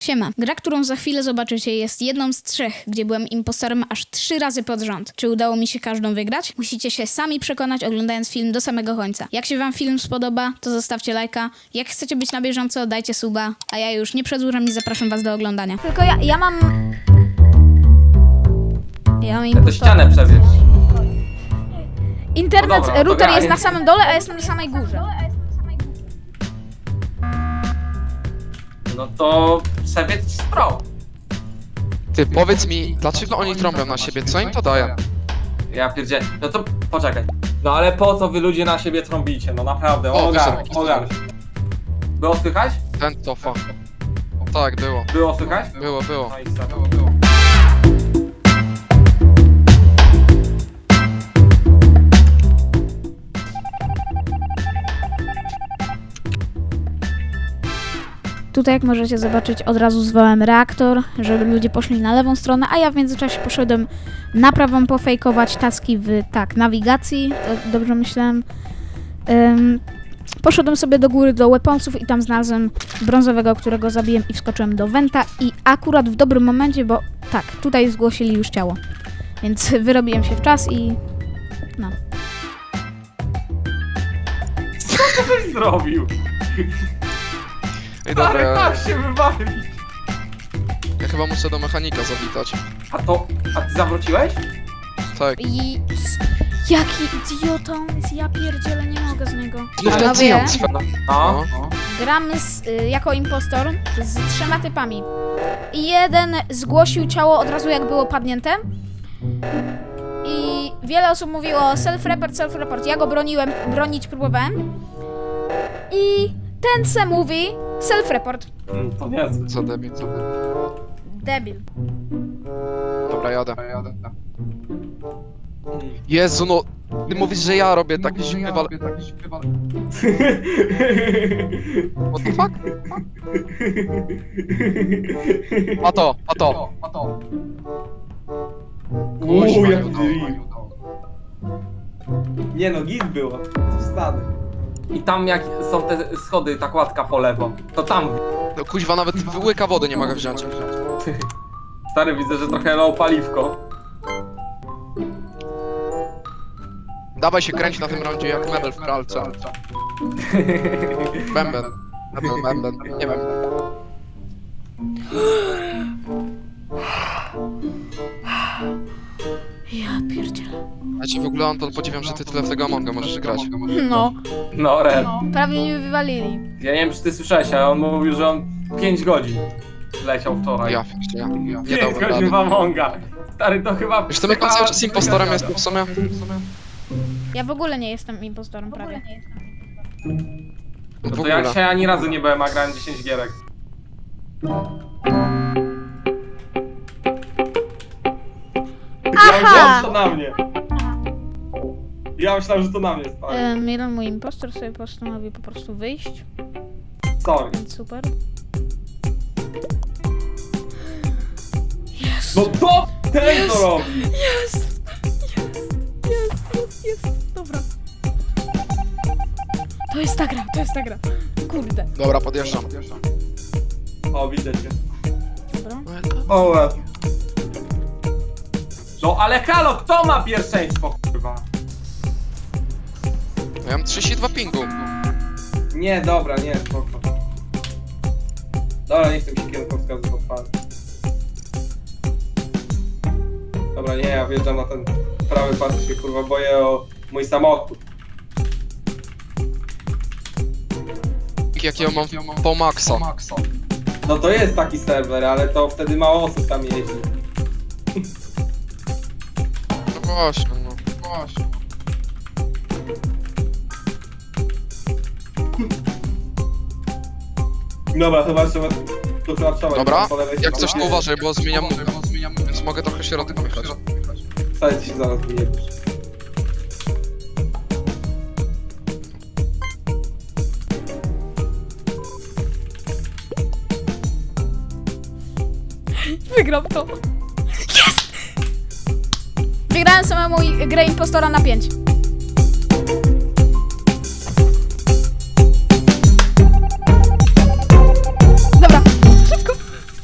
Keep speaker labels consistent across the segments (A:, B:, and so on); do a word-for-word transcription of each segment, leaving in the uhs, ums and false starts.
A: Siema. Gra, którą za chwilę zobaczycie, jest jedną z trzech, gdzie byłem impostorem aż trzy razy pod rząd. Czy udało mi się każdą wygrać? Musicie się sami przekonać, oglądając film do samego końca. Jak się wam film spodoba, to zostawcie lajka. Jak chcecie być na bieżąco, dajcie suba. A ja już nie przedłużam i zapraszam was do oglądania. Tylko ja, ja mam... Ja mam
B: Ja to
A: impostora.
B: ścianę przewieź.
A: Internet,
B: No dobra, no to
A: router
B: ja-
A: jest na samym dole, a jestem na samej górze.
B: No to przewiedź stro.
C: Ty, powiedz mi, dlaczego oni trąbią na siebie? Co im to daje?
B: Ja pierdzie. No to poczekaj. No ale po co wy ludzie na siebie trąbicie? No naprawdę,
C: O,
B: ogarnij,
C: wyszedł.
B: ogarnij. Było słychać?
C: Ten tofa. Tak, było.
B: Było słychać?
C: Było, było.
B: No i co?
A: Tutaj, jak możecie zobaczyć, od razu zwołałem reaktor, żeby ludzie poszli na lewą stronę, a ja w międzyczasie poszedłem na prawą pofejkować taski w, tak, nawigacji, to dobrze myślałem. Ym, poszedłem sobie do góry do weaponsów i tam znalazłem brązowego, którego zabiłem i wskoczyłem do Venta i akurat w dobrym momencie, bo tak, tutaj zgłosili już ciało, więc wyrobiłem się w czas i no.
B: Co ty zrobił?
C: Ej, dobra,
B: Stary,
C: ja,
B: tak się wybawi.
C: ja chyba muszę do mechanika zawitać.
B: A to, a ty zawróciłeś?
C: Tak.
A: I... Jaki idiota on jest, ja pierdzielę, nie mogę z niego.
C: Znów ten
A: Panowie,
C: Zion Sfer.
B: No.
C: No.
B: no.
A: gramy z, y, jako impostor z trzema typami. I jeden zgłosił ciało od razu jak było padnięte. I wiele osób mówiło self-report, self-report. Ja go broniłem, bronić próbowałem. I ten se mówi self-report.
B: Mm, To niezłe.
C: Co debil, co debil.
A: Debil.
C: Dobra, jadę. Jezu, no... Ty mówisz, że ja robię taki zimny wal... What the fuck? A to, a to.
B: Uuu,
C: Kuźwa,
B: jak
C: nie udało.
B: Nie no, git było. Wstany. I tam jak są te schody, ta kładka po lewo, to tam.
C: No kuźwa, nawet łyka wody nie mogę wziąć.
B: Stary, widzę, że trochę low paliwko.
C: Dawaj się kręć na tym rondzie jak mebel w pralce. Bęben. Mebel, bęben. Nie wiem.
A: Ja pierdzielę.
C: Ja cię w ogóle, Anton, podziwiam, że ty tyle w tego Amonga możesz grać.
A: No.
B: No, Ren.
A: Prawie mnie wywalili.
B: Ja nie wiem, czy ty słyszałeś, ale on mówił, że on pięć godzin leciał wczoraj.
C: Ja, jeszcze ja. Nie
B: pięć
C: dałbym
B: godzin
C: rady.
B: w Amonga. Stary, to chyba...
C: Wiesz, to my cały czas impostorem jestem w sumie.
A: Ja w ogóle nie jestem impostorem prawie.
B: No
C: W
B: to ja
C: ogóle.
B: dzisiaj ani razu nie byłem, a grałem dziesięć gierek. Ja myślałem, że to na mnie. Ja myślałem, że to na mnie, stary.
A: Ym, jeden mój impostor sobie postanowił po prostu wyjść,
B: Sorry.
A: więc super.
B: No to ten to robi!
A: Jest! Jest! Jest! Jest! Jest! Dobra. To jest ta gra, to jest ta gra. Kurde.
C: Dobra, podjeżdżam.
B: O, widzę cię.
A: Dobra.
B: O, łeb. No ale halo, kto ma pierwszeństwo, kurwa?
C: Ja mam trzydzieści dwa pingu.
B: Nie, dobra, nie, spoko. Dobra, nie chcę mi się kierunkowskazów odpalić. Dobra, nie, ja wjeżdżam na ten prawy pas, się kurwa boję o mój samochód.
C: Jakiego mam po maksa.
B: No to jest taki serwer, ale to wtedy mało osób tam jeździ.
C: No właśnie, no. Właśnie.
B: Dobra, chyba trzeba to chyba trzeba.
C: Dobra,
B: po lewej
C: jak
B: stronie.
C: coś to uważaj, bo zmieniam nogę. Więc mogę trochę środek wyjechać.
B: Wcale ci się zaraz wyjebiesz.
A: Wygram to. Jest! Wygrałem samemu grę impostora na pięć. Dobra, szybko.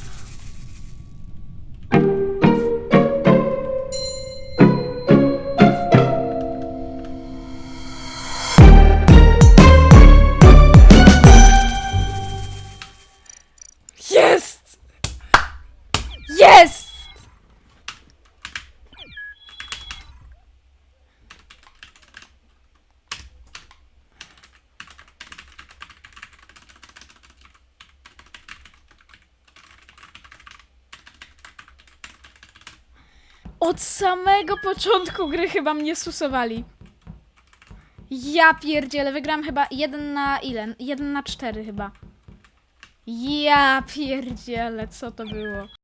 A: Od samego początku gry chyba mnie susowali. Ja pierdzielę, wygrałam chyba jeden na ile? jeden na cztery chyba. Ja pierdzielę, co to było?